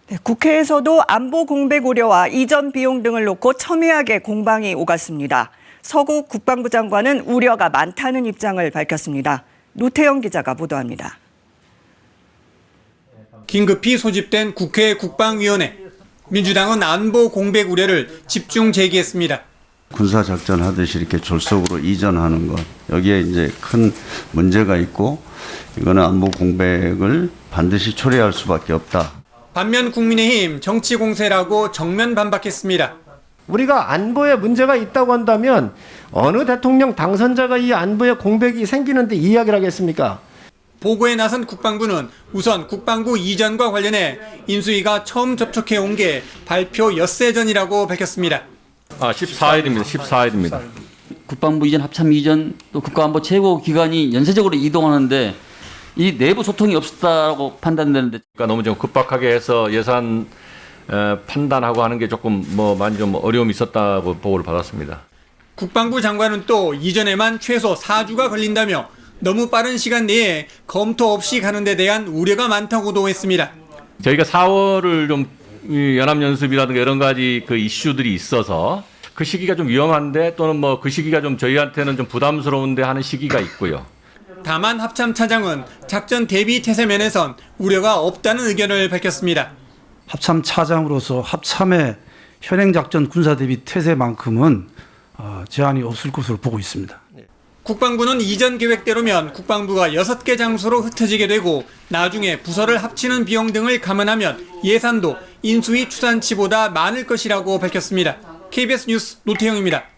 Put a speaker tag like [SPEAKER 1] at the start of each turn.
[SPEAKER 1] 네, 국회에서도 안보 공백 우려와 이전 비용 등을 놓고 첨예하게 공방이 오갔습니다. 서국 국방부 장관은 우려가 많다는 입장을 밝혔습니다. 노태영 기자가 보도합니다.
[SPEAKER 2] 긴급히 소집된 국회 국방위원회. 민주당은 안보 공백 우려를 집중 제기했습니다.
[SPEAKER 3] 군사작전 하듯이 이렇게 졸속으로 이전하는 것, 여기에 이제 큰 문제가 있고 이거는 안보 공백을 반드시 초래할 수밖에 없다.
[SPEAKER 2] 반면 국민의힘 정치 공세라고 정면 반박했습니다.
[SPEAKER 4] 우리가 안보에 문제가 있다고 한다면 어느 대통령 당선자가 이 안보에 공백이 생기는데 이야기를 하겠습니까?
[SPEAKER 2] 보고에 나선 국방부는 우선 국방부 이전과 관련해 인수위가 처음 접촉해 온 게 발표 엿새 전이라고 밝혔습니다.
[SPEAKER 5] 14일입니다. 14일입니다.
[SPEAKER 6] 국방부 이전, 합참 이전, 또 국가안보 최고기관이 연쇄적으로 이동하는데 이 내부 소통이 없었다고 판단되는데.
[SPEAKER 5] 그러니까 너무 좀 급박하게 해서 예산 판단하고 하는 게 조금 많이 좀 어려움이 있었다고 보고를 받았습니다.
[SPEAKER 2] 국방부 장관은 또 이전에만 최소 4주가 걸린다며 너무 빠른 시간 내에 검토 없이 가는 데 대한 우려가 많다고도 했습니다.
[SPEAKER 5] 저희가 4월을 좀 연합연습이라든가 여러 가지 그 이슈들이 있어서 그 시기가 좀 위험한데 또는 그 시기가 좀 저희한테는 좀 부담스러운데 하는 시기가 있고요.
[SPEAKER 2] 다만 합참 차장은 작전 대비 태세 면에선 우려가 없다는 의견을 밝혔습니다.
[SPEAKER 7] 합참 차장으로서 합참의 현행작전 군사대비 태세만큼은 제한이 없을 것으로 보고 있습니다.
[SPEAKER 2] 국방부는 이전 계획대로면 국방부가 6개 장소로 흩어지게 되고 나중에 부서를 합치는 비용 등을 감안하면 예산도 인수위 추산치보다 많을 것이라고 밝혔습니다. KBS 뉴스 노태영입니다.